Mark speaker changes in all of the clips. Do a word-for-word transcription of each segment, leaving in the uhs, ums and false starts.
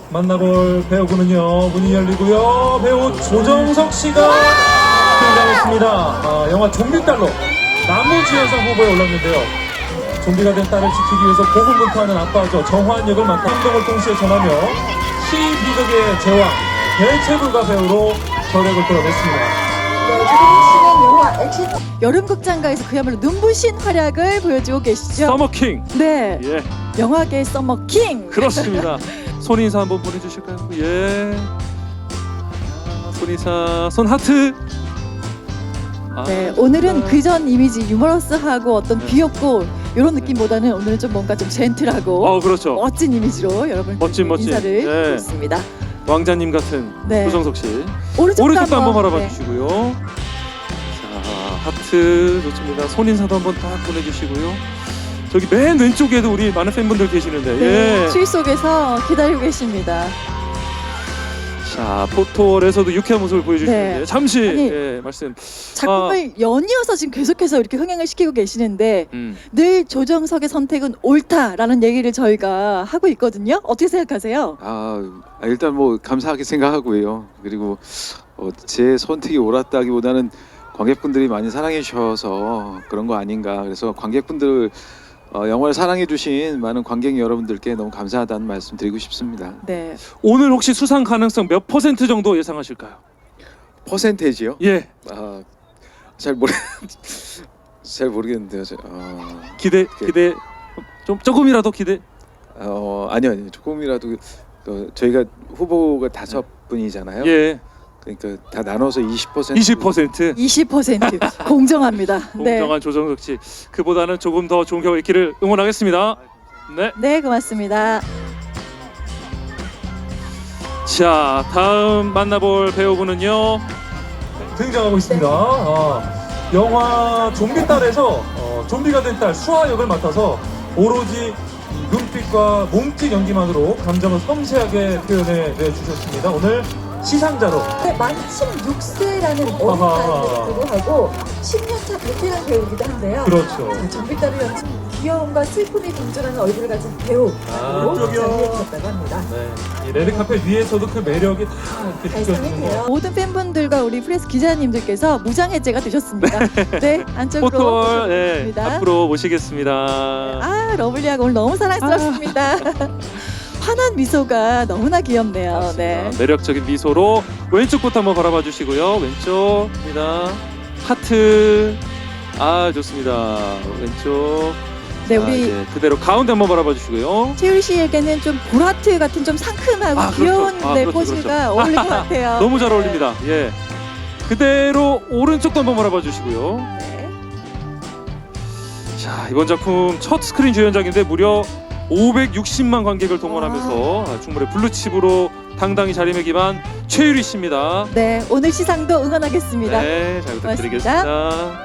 Speaker 1: 만나볼 배우군은요. 문이 열리고요. 배우 조정석 씨가 등장했습니다. 아, 영화 좀비딸로 나무주연상 후보에 올랐는데요. 좀비가 된 딸을 지키기 위해서 고군분투하는 아빠죠. 정화한 역을 맡아 행동을 동시에 전하며 시비극의 제왕 대체불가 배우로 저력을 끌어냈습니다.
Speaker 2: 네, 조정석 씨는 영화 액션 여름극장가에서 그야말로 눈부신 활약을 보여주고 계시죠.
Speaker 3: 서머킹.
Speaker 2: 네,
Speaker 3: 예,
Speaker 2: 영화계의 서머킹.
Speaker 3: 그렇습니다. 손 인사 한번 보내주실까요? 예. 아, 손 인사, 손 하트. 아,
Speaker 2: 네, 오늘은 그전 이미지 유머러스하고 어떤
Speaker 3: 네.
Speaker 2: 귀엽고 이런 느낌보다는 오늘은 좀 뭔가 좀 젠틀하고
Speaker 3: 어, 그렇죠.
Speaker 2: 멋진 이미지로 여러분
Speaker 3: 멋진, 멋진.
Speaker 2: 인사를
Speaker 3: 네.
Speaker 2: 드리고 있습니다.
Speaker 3: 왕자님 같은
Speaker 2: 네.
Speaker 3: 조정석 씨.
Speaker 2: 오른쪽도,
Speaker 3: 오른쪽도 한번 바라봐
Speaker 2: 네.
Speaker 3: 주시고요. 자, 하트 좋습니다. 손 인사도 한번 딱 보내주시고요. 저기 맨 왼쪽에도 우리 많은 팬분들 계시는데.
Speaker 2: 네,
Speaker 3: 예.
Speaker 2: 추위 속에서 기다리고 계십니다.
Speaker 3: 자, 포토월에서도 유쾌한 모습을 보여주시는데
Speaker 2: 네.
Speaker 3: 잠시
Speaker 2: 아니,
Speaker 3: 예, 말씀.
Speaker 2: 작품을 연이어서 지금 계속해서 이렇게 흥행을 시키고 계시는데
Speaker 3: 음.
Speaker 2: 늘 조정석의 선택은 옳다라는 얘기를 저희가 하고 있거든요. 어떻게 생각하세요?
Speaker 4: 아, 일단 뭐 감사하게 생각하고요. 그리고 어, 제 선택이 옳았다기보다는 관객분들이 많이 사랑해 주셔서 그런 거 아닌가. 그래서 관객분들 어, 영화를 사랑해 주신 많은 관객 여러분들께 너무 감사하다는 말씀 드리고 싶습니다.
Speaker 2: 네,
Speaker 3: 오늘 혹시 수상 가능성 몇 퍼센트 정도 예상하실까요?
Speaker 4: 퍼센테이지요?
Speaker 3: 예,
Speaker 4: 아, 잘 모르 잘 모르겠는데요. 저, 어,
Speaker 3: 기대 기대 좀 조금이라도 기대.
Speaker 4: 어, 아니요, 아니요. 조금이라도 어, 저희가 후보가 다섯 분이잖아요.
Speaker 3: 예,
Speaker 4: 그러니까 다 나눠서 이십 퍼센트.
Speaker 3: 이십 퍼센트.
Speaker 2: 이십 퍼센트 공정합니다. 네,
Speaker 3: 공정한 조정석 씨. 그보다는 조금 더 좋은 결과 있기를 응원하겠습니다. 네.
Speaker 2: 네, 고맙습니다.
Speaker 3: 자, 다음 만나볼 배우분은요.
Speaker 1: 등장하고 있습니다. 아, 영화 좀비딸에서 어, 좀비가 된 딸 수아 역을 맡아서 오로지 이 눈빛과 몸짓 연기만으로 감정을 섬세하게 표현해 주셨습니다. 오늘 시상자로
Speaker 2: 네, 만침 육 세라는 어린
Speaker 1: 아하.
Speaker 2: 나이에도 불구하고 십 년 차 베테랑 배우이기도 한데요.
Speaker 1: 그렇죠.
Speaker 2: 좀비딸을 연출 귀여움과 슬픔이 공존하는 얼굴을 가진 배우로
Speaker 1: 아, 저기요.
Speaker 2: 자리해주셨다고 합니다.
Speaker 1: 네, 이 레드카펫 위에서도 그 매력이 다 이렇게
Speaker 2: 발산이
Speaker 1: 느껴지는
Speaker 2: 돼요.
Speaker 1: 거.
Speaker 2: 모든 팬분들과 우리 프레스 기자님들께서 무장 해제가 되셨습니다. 네, 안쪽으로
Speaker 3: 포토월 예,
Speaker 2: 모셔보겠습니다.
Speaker 3: 앞으로 모시겠습니다.
Speaker 2: 아, 러블리하고 오늘 너무 사랑스럽습니다. 환한 미소가 너무나 귀엽네요.
Speaker 3: 맞습니다.
Speaker 2: 네.
Speaker 3: 매력적인 미소로 왼쪽부터 한번 바라봐 주시고요. 왼쪽입니다. 하트. 아, 좋습니다. 왼쪽.
Speaker 2: 네,
Speaker 3: 자,
Speaker 2: 우리
Speaker 3: 이제 그대로 가운데 한번 바라봐 주시고요.
Speaker 2: 채율 씨에게는 좀 보라트 같은 좀 상큼하고
Speaker 3: 아, 그렇죠.
Speaker 2: 귀여운
Speaker 3: 아,
Speaker 2: 네,
Speaker 3: 그렇죠,
Speaker 2: 포즈가
Speaker 3: 그렇죠.
Speaker 2: 어울릴 것 같아요.
Speaker 3: 너무 잘
Speaker 2: 네.
Speaker 3: 어울립니다. 예. 그대로 오른쪽도 한번 바라봐 주시고요.
Speaker 2: 네.
Speaker 3: 자, 이번 작품 첫 스크린 주연작인데 무려 오백육십만 관객을 동원하면서 아, 충무의 블루칩으로 당당히 자리매김한 최유리 씨입니다.
Speaker 2: 네, 오늘 시상도 응원하겠습니다.
Speaker 3: 네, 잘 부탁드리겠습니다.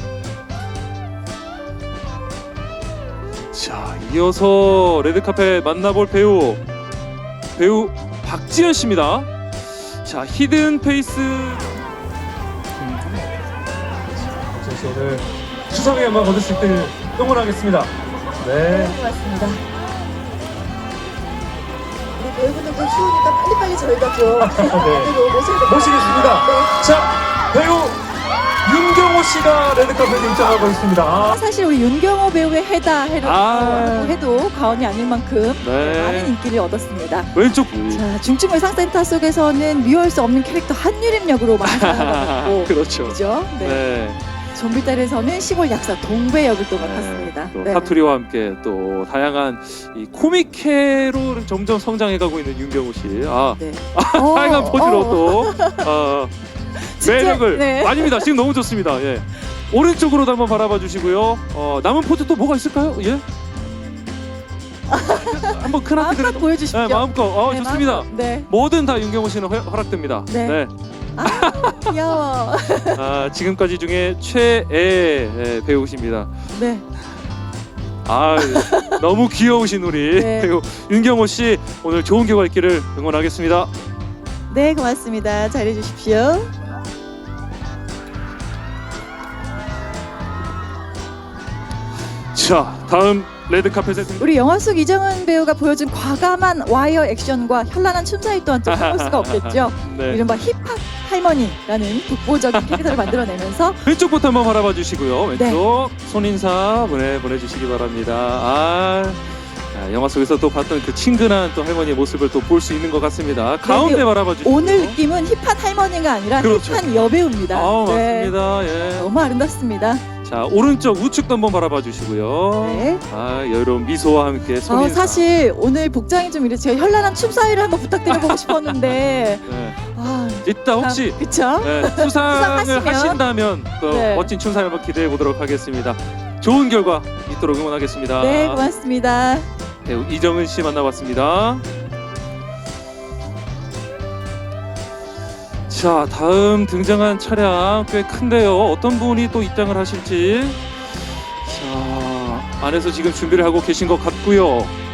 Speaker 3: 자, 이어서 레드카펫 만나볼 배우 배우 박지현 씨입니다. 자, 히든 페이스.
Speaker 1: 박지현 씨 오늘 수상의 영광 얻을 수 있길 응원하겠습니다.
Speaker 2: 네,
Speaker 1: 네.
Speaker 2: 고맙습니다. 우리 배우분들도 추우니까 빨리빨리 저희가 좀 안으로 모셔야 될것
Speaker 1: 모시겠습니다.
Speaker 2: 같아요.
Speaker 1: 자, 배우 윤경호 씨가 레드카펫에 입장하고 있습니다. 아,
Speaker 2: 네. 사실 우리 윤경호 배우의 해다 해도,
Speaker 3: 아.
Speaker 2: 해도 과언이 아닐 만큼
Speaker 3: 네.
Speaker 2: 많은 인기를 얻었습니다.
Speaker 3: 왼쪽.
Speaker 2: 자, 중증 외상센터 속에서는 미워할 수 없는 캐릭터 한유림 역으로 많은 사랑을 받았고
Speaker 3: 그렇죠.
Speaker 2: 그죠? 네.
Speaker 3: 네.
Speaker 2: 좀비딸에서는 시골 약사 동배 역을 또
Speaker 3: 네,
Speaker 2: 맡았습니다.
Speaker 3: 또
Speaker 2: 네.
Speaker 3: 사투리와 함께 또 다양한 이 코믹해로 점점 성장해가고 있는 윤경호 씨. 아,
Speaker 2: 네.
Speaker 3: 다양한
Speaker 2: 어,
Speaker 3: 포즈로
Speaker 2: 어.
Speaker 3: 또 어,
Speaker 2: 진짜,
Speaker 3: 매력을
Speaker 2: 네.
Speaker 3: 아닙니다. 지금 너무 좋습니다. 예. 오른쪽으로도 한번 바라봐 주시고요. 어, 남은 포즈 또 뭐가 있을까요? 예. 한번 큰 하트
Speaker 2: 마음껏
Speaker 3: 그래도.
Speaker 2: 보여주십시오.
Speaker 3: 네, 마음껏. 어,
Speaker 2: 네,
Speaker 3: 좋습니다.
Speaker 2: 마음껏. 네.
Speaker 3: 뭐든 다 윤경호 씨는 허, 허락됩니다.
Speaker 2: 네. 아, 귀여워.
Speaker 3: 아, 지금까지 중에 최애 예, 배우십니다.
Speaker 2: 네.
Speaker 3: 아, 너무 귀여우신 우리
Speaker 2: 네.
Speaker 3: 배우 윤경호 씨 오늘 좋은 결과 있기를 응원하겠습니다.
Speaker 2: 네, 고맙습니다. 잘해 주십시오.
Speaker 3: 자, 다음 레드카펫에 등...
Speaker 2: 우리 영화 속 이정은 배우가 보여준 과감한 와이어 액션과 현란한 춤사위 또한 좀 빼놓을 수가 없겠죠.
Speaker 3: 네.
Speaker 2: 이른바 힙합 할머니라는 독보적인 캐릭터를 만들어내면서
Speaker 3: 왼쪽부터 한번 바라봐 주시고요. 왼쪽
Speaker 2: 네.
Speaker 3: 손인사 보내 보내주시기 바랍니다. 아, 아, 영화 속에서 또 봤던 그 친근한 또 할머니의 모습을 또 볼 수 있는 것 같습니다. 가운데 바라봐 주시고
Speaker 2: 오늘 느낌은 힙한 할머니가 아니라
Speaker 3: 그렇죠.
Speaker 2: 힙한 여배우입니다.
Speaker 3: 아,
Speaker 2: 네.
Speaker 3: 맞습니다. 예.
Speaker 2: 너무 아름답습니다.
Speaker 3: 자, 오른쪽 우측도 한번 바라봐 주시고요.
Speaker 2: 네.
Speaker 3: 아, 여유로운 미소와 함께
Speaker 2: 어,
Speaker 3: 손인사.
Speaker 2: 사실 오늘 복장이 좀 이래 제가 현란한 춤사위를 한번 부탁드려보고 싶었는데
Speaker 3: 네.
Speaker 2: 아,
Speaker 3: 이따 혹시
Speaker 2: 그쵸?
Speaker 3: 네, 수상을
Speaker 2: 수상하시면?
Speaker 3: 하신다면 또
Speaker 2: 네.
Speaker 3: 멋진 춤사위 한번 기대해 보도록 하겠습니다. 좋은 결과 있도록 응원하겠습니다.
Speaker 2: 네, 고맙습니다.
Speaker 3: 배우 이정은 씨 만나봤습니다. 자, 다음 등장한 차량 꽤 큰데요. 어떤 분이 또 입장을 하실지. 자, 안에서 지금 준비를 하고 계신 것 같고요.